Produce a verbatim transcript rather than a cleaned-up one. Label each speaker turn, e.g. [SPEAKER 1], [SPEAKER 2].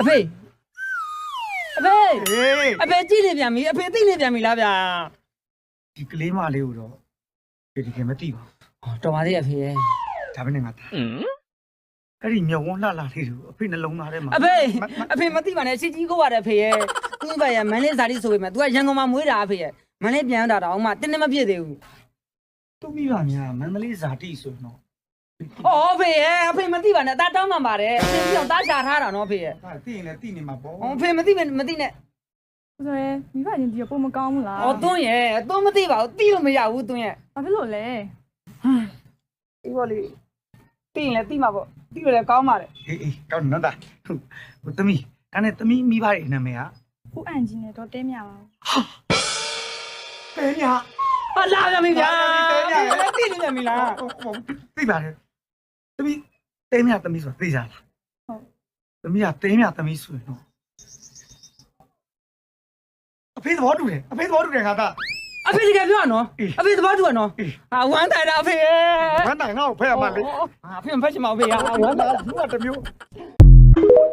[SPEAKER 1] အဖေအဖေအဖေကြည့်နေပြန်ပြီအဖေသိနေပြန်ပြီလားဗျာ
[SPEAKER 2] ဒီကလေးမလေးကိုတော့ဒီဒီကမသိပါ
[SPEAKER 1] တော်ပါသေးအဖေရဲ့
[SPEAKER 2] ဘူးဒါပဲနဲ့ငါသားအဲ့ဒီမြဝန်းလှလှလေးတို့အဖေနှလုံးသားထဲမှာ
[SPEAKER 1] အဖေအဖေမသိပါနဲ့ချစ်ကြီးကိုပါတယ်အဖေရဲ့သူ့ဘက်ရဲ့မန်းလေးဇာတိဆိုပေမဲ့ तू ကရန်ကုန်မှာမွေးတာအဖေရဲ့မန်းလေးပြန်တာတော့မှတင်းတင်းမပြည့်သေးဘူး
[SPEAKER 2] သူ့မိဘများမန္တလေးဇာတိဆိုတော့
[SPEAKER 1] အော်အဖေရဲ့အဖေမသိပါနဲ့တားတောင်းမှပါတယ်အဖေပြောင်းတားရှာထားတာနော်အဖေရဲ့
[SPEAKER 2] ဟာသိရင်လည်းသိနေမှာပေါ့
[SPEAKER 1] အဖေမသိမမသိနဲ့
[SPEAKER 3] ဆိုရဲမိဘချင်းဒီကပုံမကောင်းဘူးလား
[SPEAKER 1] အော်သွန်းရဲ့သွန်းမသိပါဘူးသိလို့မရဘူးသွန်းရဲ့
[SPEAKER 3] ဘာဖြစ်လို့လဲ
[SPEAKER 1] ဒီဘောလေးသိရင်လည်းသိမှာပေါ့သိလို့လည်းကောင်းပါတယ်
[SPEAKER 2] အေးအေးကောင်းနော်သားဟိုသမီးဒါနဲ့သမီးမိဘရဲ့နာမည်က
[SPEAKER 3] ဦးအန်ကြီးနဲ့တော့တဲမြပါဘူး
[SPEAKER 2] တဲမြ
[SPEAKER 1] ဟာလာပြန်ပြီဗျာ
[SPEAKER 2] တဲမြ
[SPEAKER 1] သိနေပြန်ပြီလား
[SPEAKER 2] သိပါတယ်သမီးတဲမြသမီးဆိုတာသိကြလား
[SPEAKER 3] ဟုတ်
[SPEAKER 2] သမီးကတဲမြသမီးဆိုရင်တော့အဖေသဘောတူတယ်အဖေသဘောတူတယ်ငါသား
[SPEAKER 1] အဖေတကယ်ပြောရနော်အဖေသဘောတူရနော်ဟာဝမ်းတိုင်တာအဖေရဲ့
[SPEAKER 2] ဝမ်းတိုင်ငါ့ကိုဖဲရမှာလေ
[SPEAKER 1] ဟာအဖေမဖက်ချင်ပါဘူးအဖေဟာဝမ်းတိုင်
[SPEAKER 2] ဘူးကတစ်မျိုး